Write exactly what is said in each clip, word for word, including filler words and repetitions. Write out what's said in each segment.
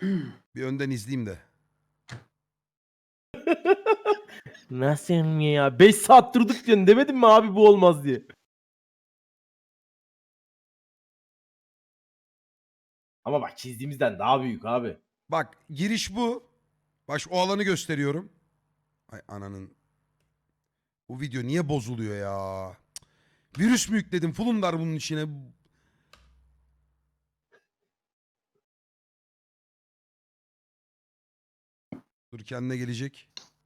Bir önden izleyeyim de. Nasıl ya? beş saat durduk diyorsun. Demedim mi abi bu olmaz diye. Ama bak çizdiğimizden daha büyük abi. Bak giriş bu. Baş o alanı gösteriyorum. Ay ananın. Bu video niye bozuluyor ya? Cık. Virüs mü yükledim? Fulundar bunun içine. Dur kendine gelecek.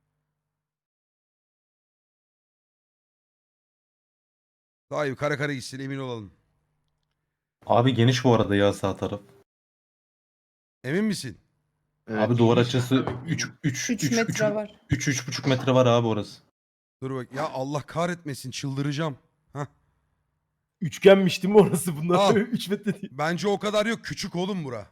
Daha iyi kara kara gitsin emin olalım. Abi geniş bu arada ya sağ taraf. Emin misin? Evet. Abi duvar geniş açısı tabii, üç geniş. üç üç üç metre var. üç üç buçuk metre var abi orası. Dur bak. Ya Allah kahretmesin çıldıracağım. Hah. Üçgenmiş değil mi orası bunlar? Al. üç metre değil. Bence o kadar yok. Küçük oğlum bura.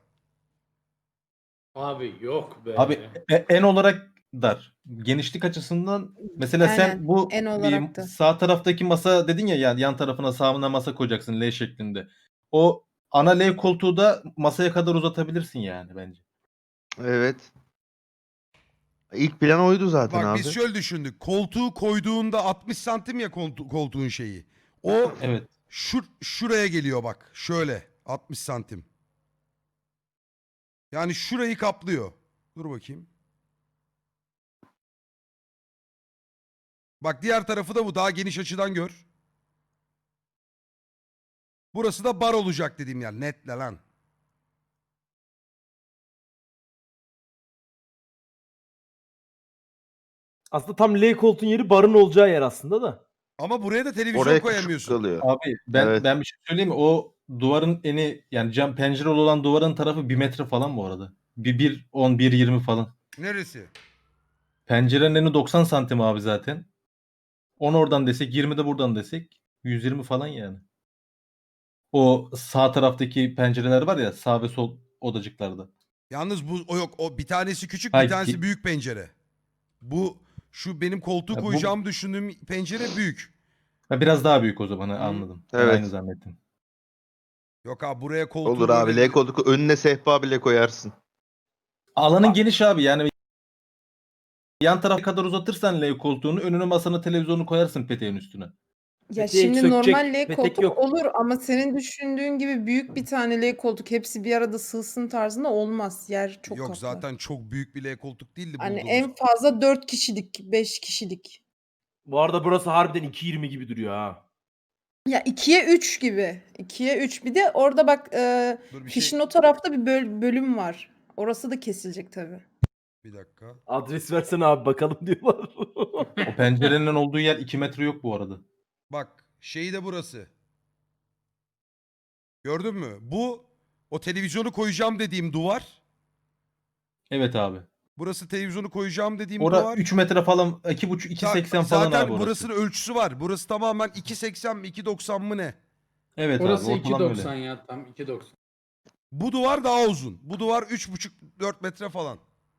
Abi yok be. Abi e- en olarak dar. Genişlik açısından mesela sen Aynen, bu en bir olarak da. sağ taraftaki masa dedin ya, yani yan tarafına sağına masa koyacaksın L şeklinde. O ana L koltuğu da masaya kadar uzatabilirsin yani bence. Evet. İlk plan oydu zaten Bak abi. biz şöyle düşündük. Koltuğu koyduğunda altmış santim ya koltu koltuğun şeyi. O Evet. şur şuraya geliyor bak. Şöyle altmış santim. Yani şurayı kaplıyor. Dur bakayım. Bak diğer tarafı da bu. Daha geniş açıdan gör. Burası da bar olacak dediğim yer. Netle lan. Aslında tam L koltuğun yeri barın olacağı yer aslında da. Ama buraya da televizyon Oraya küçük koyamıyorsun. kalıyor. Abi ben Evet. ben bir şey söyleyeyim mi? O duvarın eni, yani cam pencereli olan duvarın tarafı bir metre falan bu arada. Bir bir on bir yirmi falan. Neresi? Pencerenin eni doksan santim abi zaten. on oradan desek, yirmi de buradan desek yüz yirmi falan yani. O sağ taraftaki pencereler var ya, sağ ve sol odacıklarda. Yalnız bu o yok. O bir tanesi küçük, bir Hayır, tanesi ki- büyük pencere. Bu şu benim koltuğu Ya bu- koyacağımı düşündüğüm pencere büyük. Ha, biraz daha büyük o zaman, ha, Hı. anladım. Ben Evet. aynı zannettim. Yok abi buraya koltuğu Olur abi. böyle L koltuğu önüne sehpa bile koyarsın. Alanın geniş abi, yani yan tarafa kadar uzatırsan L koltuğunu, önüne masanı, televizyonu koyarsın peteğin üstüne. Ya Peteği şimdi sökecek, normal L petek koltuk yok. olur ama senin düşündüğün gibi büyük bir tane L koltuk hepsi bir arada sığsın tarzında olmaz. Yer çok Yok kaplar. zaten çok büyük bir L koltuk değildi Hani bulduğumuz. en fazla dört kişilik, beş kişilik. Bu arada burası harbiden iki yirmi gibi duruyor ha. Ya ikiye üç gibi. ikiye üç. Bir de orada bak e, Dur bir fişin şey o tarafta bir böl- bölüm var. Orası da kesilecek tabii. bir dakika. Adres versene abi bakalım diyorlar. O pencerenin olduğu yer iki metre yok bu arada. Bak şeyi de burası. Gördün mü? Bu o televizyonu koyacağım dediğim duvar. Evet abi. Burası televizyonu koyacağım dediğim Ora duvar. üç metre falan, iki buçuk iki Ta- seksen falan zaten abi orası. burasının ölçüsü var. Burası tamamen iki seksen mi iki doksan mı ne? Evet Orası abi, ortalama iki doksan öyle. ya, tam iki doksan. Bu duvar daha uzun. Bu duvar üç buçuk dört metre falan.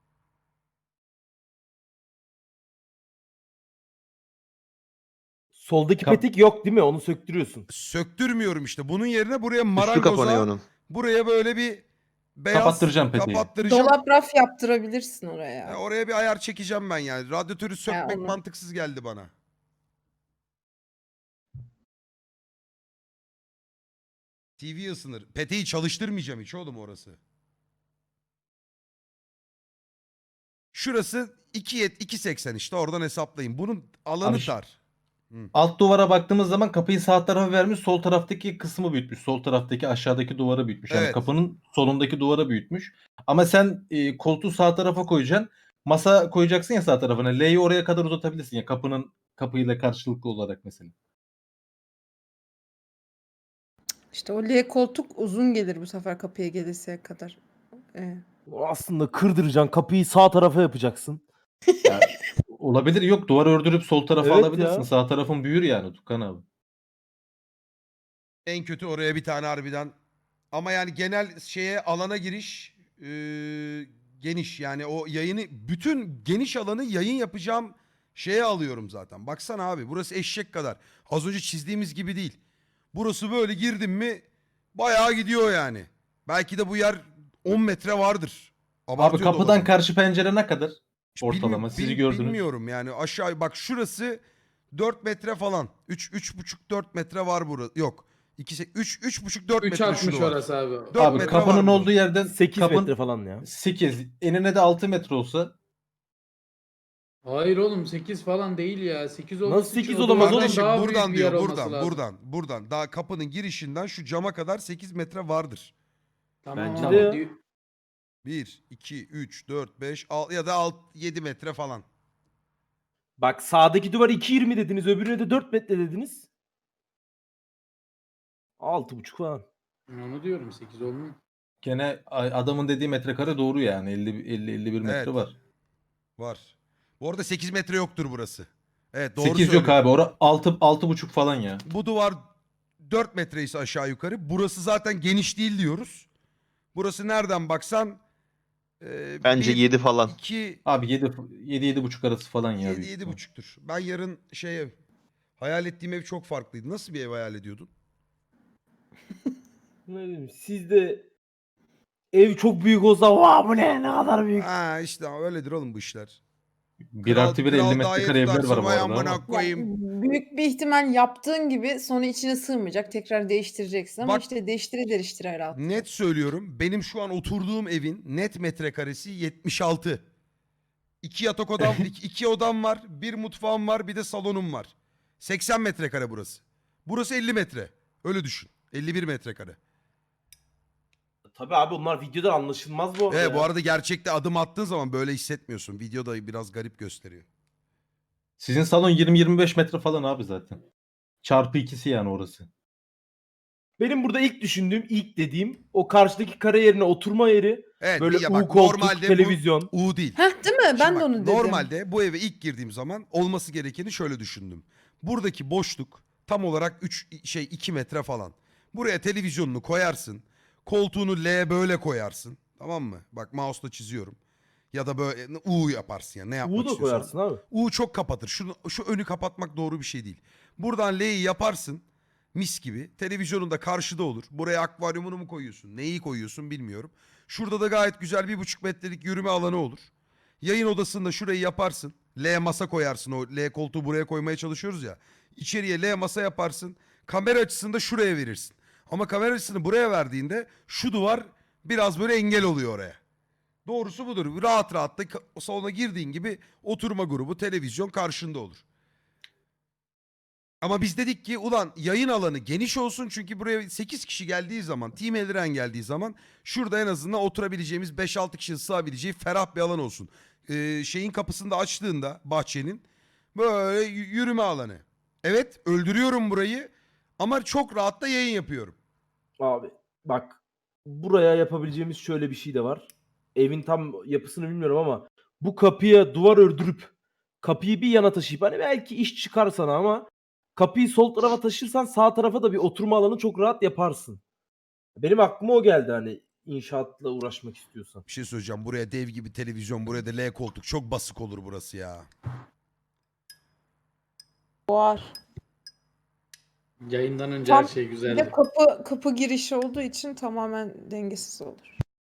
Soldaki Kap- petek yok değil mi? Onu söktürüyorsun. Söktürmüyorum işte. Bunun yerine buraya Üstü kapanıyor marangoza onun. buraya böyle bir beyaz Kapattıracağım peteği. kapattıracağım. Dolap raf yaptırabilirsin Ya oraya. oraya bir ayar çekeceğim ben yani. Radyatörü sökmek onu. mantıksız geldi bana. T V ısınır. Peteği çalıştırmayacağım hiç oğlum orası. Şurası iki iki seksen işte oradan hesaplayın. Bunun alanı Abi şu- dar. Alt duvara baktığımız zaman kapıyı sağ tarafa vermiş, sol taraftaki kısmı büyütmüş. Sol taraftaki aşağıdaki duvarı büyütmüş. Yani Evet. kapının solundaki duvarı büyütmüş. Ama sen e, koltuğu sağ tarafa koyacaksın. Masa koyacaksın ya sağ tarafına. L'yi oraya kadar uzatabilirsin ya, kapının kapıyla karşılıklı olarak mesela. İşte o L koltuk uzun gelir bu sefer kapıya gelirse kadar. Evet. O aslında kırdıracaksın kapıyı sağ tarafa yapacaksın. Ya, olabilir, yok duvarı ördürüp sol tarafa Evet alabilirsin. ya. Sağ tarafın büyür yani Tukan abi. En kötü oraya bir tane harbiden. Ama yani genel şeye alana giriş e, geniş. Yani o yayını bütün geniş alanı yayın yapacağım şeye alıyorum zaten. Baksana abi burası eşek kadar. Az önce çizdiğimiz gibi değil. Burası böyle girdim mi bayağı gidiyor yani. Belki de bu yer on metre vardır. Abi Abartıyor da kapıdan olabilirim. karşı pencere ne kadar? Hiç Ortalama. bilmi- Sizi bil- gördünüz. Bilmiyorum yani aşağı bak şurası dört metre falan. üç üç buçuk dört metre var burada. Yok. iki üç üç buçuk dört metre üç altmış şunu var. orası abi. dört Abi metre kapının var bunun. olduğu yerden sekiz kapın metre falan ya. sekiz. Enine de altı metre olsa Hayır oğlum sekiz falan değil ya. sekiz olması Nasıl sekiz için o olamaz duvardan oğlum? Kardeşim daha büyük buradan bir yer diyor olması buradan lazım. buradan buradan. Daha kapının girişinden şu cama kadar sekiz metre vardır. Tamam Bence abi. de ya. di- bir, iki, üç, dört, beş, altı ya da yedi metre falan. Bak sağdaki duvar iki yirmi dediniz, öbürüne de dört metre dediniz. altı buçuk falan. Ben onu diyorum sekiz olmuyor. gene a- adamın dediği metrekare doğru yani. elli elli elli bir metre Evet. var. Var. Bu arada sekiz metre yoktur burası. Evet doğru sekiz yok söylüyorsun. abi. Ora altı altı buçuk falan ya. Bu duvar dört metre ise aşağı yukarı. Burası zaten geniş değil diyoruz. Burası nereden baksan e, Bence bir, yedi falan. iki, Abi yedi yedi yedi buçuk arası falan ya. yedi, büyük yedi ihtimal. buçuktur. Ben yarın şey ev hayal ettiğim ev çok farklıydı. Nasıl bir ev hayal ediyordun? Ne bileyim, siz de ev çok büyük olsa vaa bu ne ne kadar büyük. Ha işte öyledir oğlum bu işler. bir artı bir elli daire metrekare evler tutarsın, var bu vay arada amına ama. koyayım. Büyük bir ihtimal yaptığın gibi sonra içine sığmayacak. Tekrar değiştireceksin ama Bak- işte değiştire değiştire rahat. Net söylüyorum. Benim şu an oturduğum evin net metrekaresi yetmiş altı. İki yatak odam, iki, iki odam var, bir mutfağım var, bir de salonum var. seksen metrekare burası. Burası elli metre. Öyle düşün. elli bir metrekare. Tabii abi onlar videodan anlaşılmaz bu arada. Evet ya. bu arada gerçekte adım attığın zaman böyle hissetmiyorsun. Videoda biraz garip gösteriyor. Sizin salon yirmi yirmi beş metre falan abi zaten. Çarpı ikisi yani orası. Benim burada ilk düşündüğüm, ilk dediğim o karşıdaki kare yerine oturma yeri. Evet Böyle ya U bak koltuk, normalde televizyon. bu U değil. Heh değil mi? Şimdi Ben bak, de onu dedim. normalde bu eve ilk girdiğim zaman olması gerekeni şöyle düşündüm. Buradaki boşluk tam olarak üç şey iki metre falan. Buraya televizyonunu koyarsın. Koltuğunu L böyle koyarsın. Tamam mı? Bak mouse'la çiziyorum. Ya da böyle U yaparsın ya ne yapmak U da istiyorsan. koyarsın abi. U çok kapatır. Şunu, şu önü kapatmak doğru bir şey değil. Buradan L'yi yaparsın. Mis gibi. Televizyonun da karşıda olur. Buraya akvaryumunu mu koyuyorsun? Neyi koyuyorsun bilmiyorum. Şurada da gayet güzel bir buçuk metrelik yürüme alanı olur. Yayın odasında şurayı yaparsın. L masa koyarsın. O L koltuğu buraya koymaya çalışıyoruz ya. İçeriye L masa yaparsın. Kamera açısını da şuraya verirsin. Ama kamera açısını buraya verdiğinde şu duvar biraz böyle engel oluyor oraya. Doğrusu budur. Rahat rahat da ka- salona girdiğin gibi oturma grubu, televizyon karşında olur. Ama biz dedik ki ulan yayın alanı geniş olsun çünkü buraya sekiz kişi geldiği zaman, Team Eldiren geldiği zaman şurada en azından oturabileceğimiz beş altı kişinin sığabileceği ferah bir alan olsun. Ee, şeyin kapısını da açtığında bahçenin böyle y- yürüme alanı. Evet öldürüyorum burayı ama çok rahat da yayın yapıyorum. Abi bak buraya yapabileceğimiz şöyle bir şey de var. Evin tam yapısını bilmiyorum ama bu kapıya duvar ördürüp kapıyı bir yana taşıyıp hani belki iş çıkar sana ama kapıyı sol tarafa taşırsan sağ tarafa da bir oturma alanı çok rahat yaparsın. Benim aklıma o geldi hani inşaatla uğraşmak istiyorsan. Bir şey söyleyeceğim buraya dev gibi televizyon buraya da L koltuk çok basık olur burası ya. Var. Yayından önce Tam her şey Bir de güzeldi. kapı kapı girişi olduğu için tamamen dengesiz olur.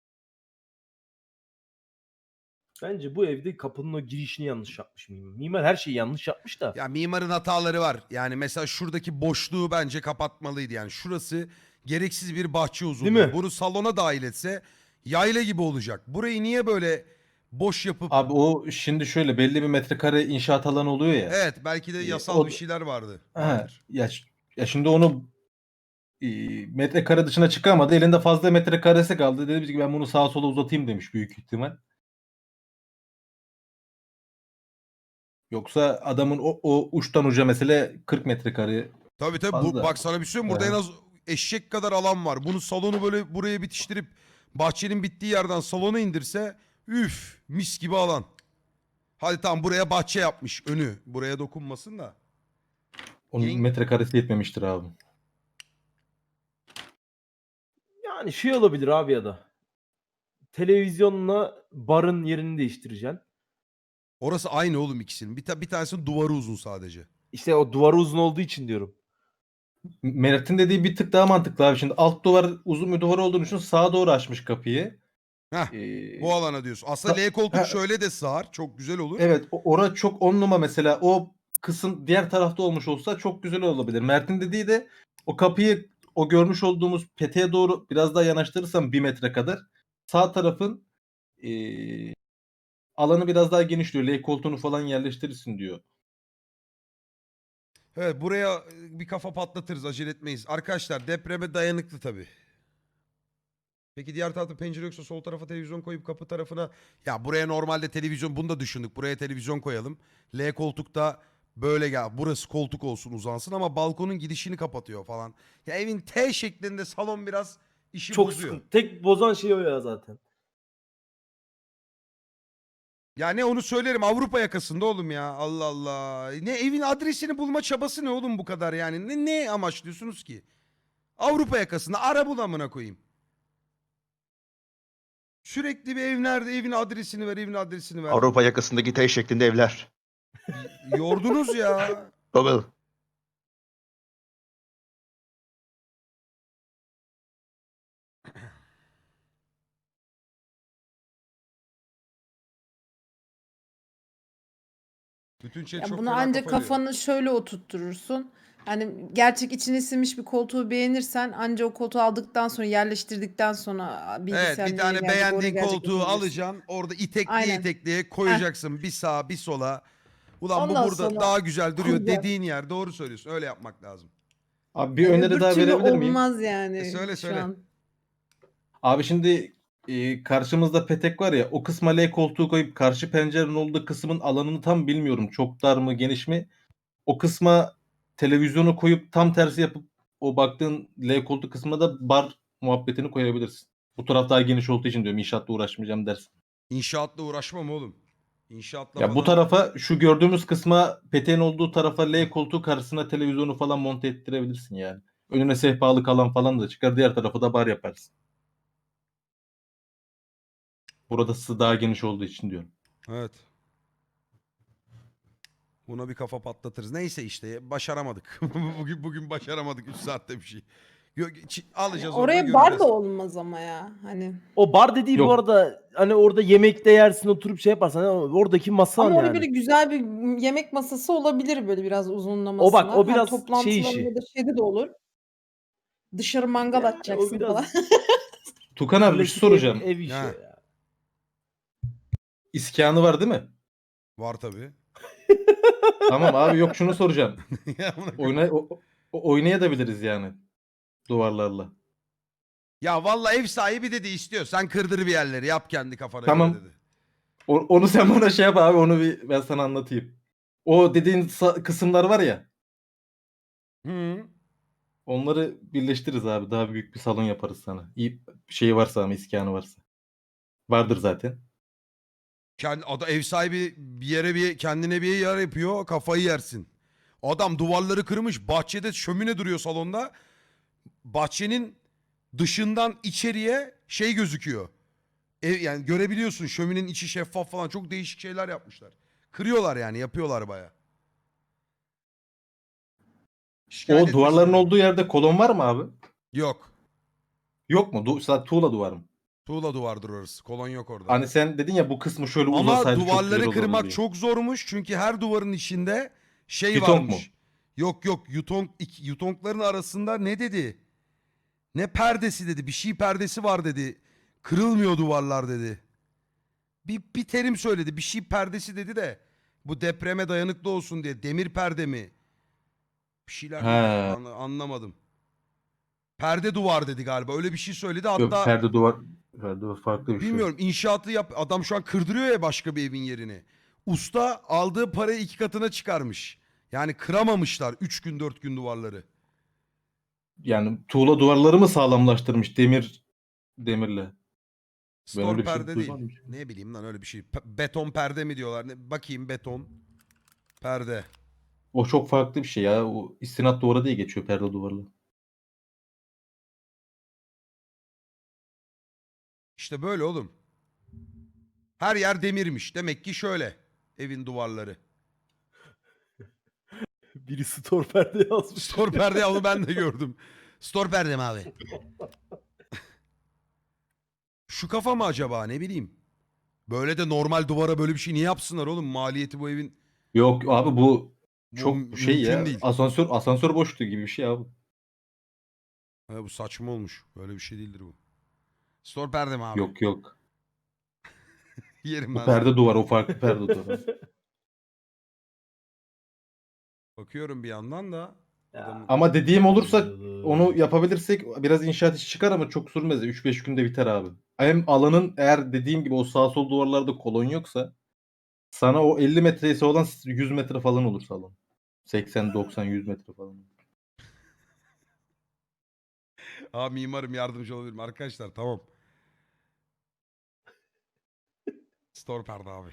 Bence bu evde kapının o girişini yanlış yapmış mimar. Mimar her şeyi yanlış yapmış da. Ya mimarın hataları var. Yani mesela şuradaki boşluğu bence kapatmalıydı. Yani şurası gereksiz bir bahçe uzunluğu. Değil mi? Bunu salona dahil etse yayla gibi olacak. Burayı niye böyle boş yapıp... Abi o şimdi şöyle belli bir metrekare inşaat alanı oluyor ya. Evet belki de Ee, yasal o- bir şeyler vardı. Ha, Vardır. ya, ş- ya şimdi onu e, metrekare dışına çıkamadı. Elinde fazla metrekaresi kaldı. Dedi ki ben bunu sağa sola uzatayım demiş büyük ihtimal. Yoksa adamın o, o uçtan uca mesela kırk metrekare. Tabii tabii. Bu, Fazla. bak sana bir şey söyleyeyim. Burada Evet. en az eşek kadar alan var. Bunu salonu böyle buraya bitiştirip bahçenin bittiği yerden salona indirse üf mis gibi alan. Hadi tamam buraya bahçe yapmış önü. Buraya dokunmasın da. Onun Yeng- metrekaresi yetmemiştir abi. Yani şey olabilir abi ya da. Televizyonla barın yerini değiştireceksin. Orası aynı oğlum ikisinin. Bir, ta- bir tanesinin duvarı uzun sadece. İşte o duvarı uzun olduğu için diyorum. Mert'in dediği bir tık daha mantıklı abi. Şimdi alt duvar uzun bir duvar olduğunu düşün. Sağa doğru açmış kapıyı. Heh, Ee, bu alana diyorsun. Aslında Ha- L koltuk ha- şöyle de sığar. Çok güzel olur. Evet, o- ora çok on numara mesela. O kısım diğer tarafta olmuş olsa çok güzel olabilir. Mert'in dediği de o kapıyı o görmüş olduğumuz peteğe doğru biraz daha yanaştırırsam bir metre kadar sağ tarafın eee, alanı biraz daha genişliyor. L koltuğunu falan yerleştirirsin diyor. Evet, buraya e, bir kafa patlatırız. Acele etmeyiz. Arkadaşlar depreme dayanıklı tabii. Peki diğer tarafta pencere yoksa sol tarafa televizyon koyup kapı tarafına... Ya buraya normalde televizyon, bunu da düşündük. Buraya televizyon koyalım. L koltukta böyle gel. Burası koltuk olsun, uzansın ama balkonun gidişini kapatıyor falan. Ya evin T şeklinde salon biraz işi Çok bozuyor. sıkıntı. Tek bozan şey o ya zaten. Ya ne onu söylerim, Avrupa yakasında oğlum ya. Allah Allah. Ne evin adresini bulma çabası ne oğlum bu kadar yani? Ne, ne amaçlıyorsunuz ki? Avrupa yakasında ara bul amına koyayım. Sürekli bir ev nerede? Evin adresini ver, evin adresini ver. Avrupa yakasındaki T şeklinde evler. Y- Yordunuz ya. Google. Bütün şey Ya çok bunu fena ancak kafa yiyor. kafanı şöyle oturtturursun. Hani gerçek içine sinmiş bir koltuğu beğenirsen anca o koltuğu aldıktan sonra yerleştirdikten sonra bilgisayar Evet, bir nereye tane gelecek, oraya beğendiğin gelecek koltuğu yapabilirsin. alacaksın. Orada itekliye Aynen. itekliye koyacaksın. Bir sağa bir sola. Ulan bu Ondan burada sonra daha güzel duruyor kuracaksın. dediğin yer. Doğru söylüyorsun. Öyle yapmak lazım. Abi bir Yani öneri öbür daha türlü verebilir miyim? olmaz E yani söyle şu söyle. an. Abi şimdi e, karşımızda petek var ya, o kısma L koltuğu koyup karşı pencerenin olduğu kısmın alanını tam bilmiyorum. Çok dar mı geniş mi? O kısma televizyonu koyup tam tersi yapıp o baktığın L koltuk kısmına da bar muhabbetini koyabilirsin. Bu taraf daha geniş olduğu için diyorum, inşaatla uğraşmayacağım dersin. İnşaatla uğraşmam oğlum. İnşaatla Ya bu falan. tarafa, şu gördüğümüz kısma, peteğin olduğu tarafa L koltuğu karşısına televizyonu falan monte ettirebilirsin yani. Önüne sehpalık alan falan da çıkar. Diğer tarafa da bar yaparsın. Burası daha geniş olduğu için diyorum. Evet. Buna bir kafa patlatırız. Neyse işte başaramadık. bugün bugün başaramadık üç saatte bir şey. Gö- çi- Yani alacağız orada oraya bar göreceğiz. da olmaz ama ya. Hani O bar dediği bu Yok. arada hani orada yemekte yersin, oturup şey yaparsan hani oradaki masan ama orada yani. böyle güzel bir yemek masası olabilir böyle biraz uzunlamasına. O bak o Hem biraz şey toplantılarında işi. da şeyde de olur. Dışarı mangal Yani o atacaksın falan. biraz Tukan abi bir şey klasik ev, soracağım. ev işi o Ha. ya. İskanı var değil mi? Var tabii. Tamam abi, yok şunu soracağım. Ya amına koyayım. Oyna, o- o- oynayabiliriz yani duvarlarla. Ya vallahi ev sahibi dedi istiyor. Sen kırdır bir yerleri yap kendi kafana Tamam. göre dedi. O- onu sen bana şey yap abi, onu bir ben sana anlatayım. O dediğin sa- kısımlar var ya, Hı. onları birleştiririz abi. Daha büyük bir salon yaparız sana. İyi şey varsa ama, iskanı varsa. Vardır zaten. Kendi, ada, ev sahibi bir yere bir kendine bir yer yapıyor kafayı yersin. Adam duvarları kırmış bahçede şömine duruyor salonda. Bahçenin dışından içeriye şey gözüküyor. Ev, yani görebiliyorsun şöminenin içi şeffaf falan çok değişik şeyler yapmışlar. Kırıyorlar yani yapıyorlar baya. Şikayet O duvarların etmesinler. olduğu yerde kolon var mı abi? Yok. Yok mu? Du sadece tuğla duvar mı? Tuğla duvardır orası. Kolon yok orada. Hani sen dedin ya, bu kısmı şöyle Ama uzasaydı çok güzel duvarları olurdu kırmak diye. çok zormuş. Çünkü her duvarın içinde şey Yutong varmış. mu? Yok yok yutong, iki- yutongların arasında ne dedi? Ne perdesi dedi. Bir şey perdesi var dedi. Kırılmıyor duvarlar dedi. Bir, bir terim söyledi. Bir şey perdesi dedi de. Bu depreme dayanıklı olsun diye. Demir perde mi? Bir şeyler He. dedi. An- anlamadım. Perde duvar dedi galiba. Öyle bir şey söyledi. Yok, Hatta perde duvar, perde duvar farklı bir şey. bilmiyorum inşaatı yap. Adam şu an kırdırıyor ya başka bir evin yerini. Usta aldığı parayı iki katına çıkarmış. Yani kıramamışlar üç gün dört gün duvarları. Yani tuğla duvarları mı sağlamlaştırmış demir demirle? Ben Store öyle bir şey perde değil. duymadım. Ne bileyim lan öyle bir şey. Pe- beton perde mi diyorlar? Ne? Bakayım beton. Perde. O çok farklı bir şey ya. O istinat duvarı diye geçiyor perde duvarlı. İşte böyle oğlum. Her yer demirmiş. Demek ki şöyle. Evin duvarları. Biri store perde yazmış. Store perde ya, onu ben de gördüm. Store perde mi abi? Şu kafa mı acaba, ne bileyim. Böyle de normal duvara böyle bir şey niye yapsınlar oğlum? Maliyeti bu evin Yok abi bu bu çok mü- şey mümkün ya. değil. Asansör asansör boşluğu gibi bir şey abi. Ha, bu saçma olmuş. Böyle bir şey değildir bu. Store perde mi abi? Yok yok. Yerim Bu ben perde seni. duvar, o farklı perde duvar. Bakıyorum bir yandan da. Adamın- Ama dediğim olursa Güzel. onu yapabilirsek biraz inşaat işi çıkar ama çok sürmez. üç beş günde biter abi. Hem alanın eğer dediğim gibi o sağ sol duvarlarda kolon yoksa sana o elli metresi olan yüz metre falan olur salon. seksen doksan yüz metre falan. Aa, mimarım yardımcı olabilirim. Arkadaşlar tamam. Store perde abi.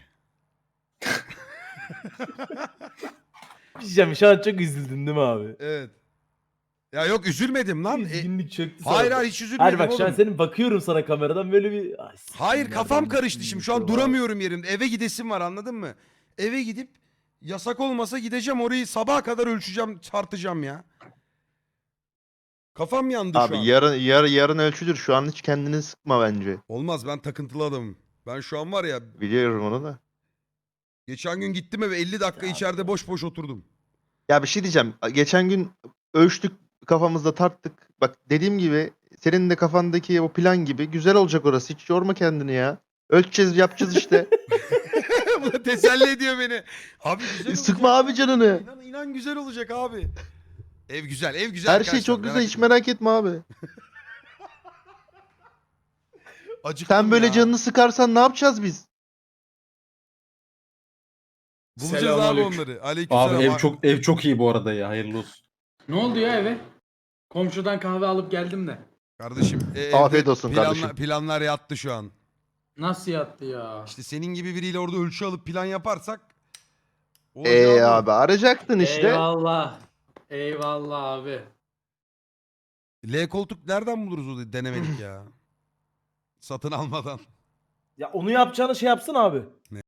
Bir şey diyeceğim, şu an çok üzüldün değil mi abi? Evet. Ya yok üzülmedim lan. E, Üzgünlük çöktü sana. hayır hayır hiç üzülmedim Hayır bak oğlum. şu an senin bakıyorum sana kameradan böyle bir... Ay, siktir, Hayır nereden kafam düştüm karıştı şimdi. Şu an bilmiyorum abi. duramıyorum yerimde. Eve gidesim var, anladın mı? Eve gidip yasak olmasa gideceğim orayı sabaha kadar ölçeceğim, tartacağım ya. Kafam yandı şu Abi an. yarın yar, yarın ölçülür. Şu an hiç kendini sıkma bence. Olmaz, ben takıntılı adamım. Ben şu an var ya, Biliyorum onu da. geçen gün gittim eve elli dakika Ya içeride bu- boş boş oturdum. Ya bir şey diyeceğim. Geçen gün ölçtük, kafamızda tarttık. Bak dediğim gibi senin de kafandaki o plan gibi güzel olacak orası. Hiç yorma kendini ya. Ölçeceğiz, yapacağız işte. Bu da teselli ediyor beni. Abi güzel olacak. Sıkma abi canını. İnan, inan güzel olacak abi. Ev güzel, ev güzel Her arkadaşlar. şey çok güzel. merak Hiç etmeyin. merak etme abi. Acıktım Sen böyle ya. canını sıkarsan ne yapacağız biz? Bulacağız abi Selamünaleyküm. onları. Aleykümselam. Abi ev çok ev çok iyi bu arada ya. Hayırlı olsun. Ne oldu ya eve? Komşudan kahve alıp geldim de. Kardeşim e, evde Afiyet olsun planla- kardeşim. Planlar yattı şu an. Nasıl yattı ya? İşte senin gibi biriyle orada ölçü alıp plan yaparsak olacağı Eee bu. abi arayacaktın işte. Eyvallah. Eyvallah abi. L koltuk nereden buluruz o denemedik ya? Satın almadan. Ya onu yapacağını şey yapsın abi.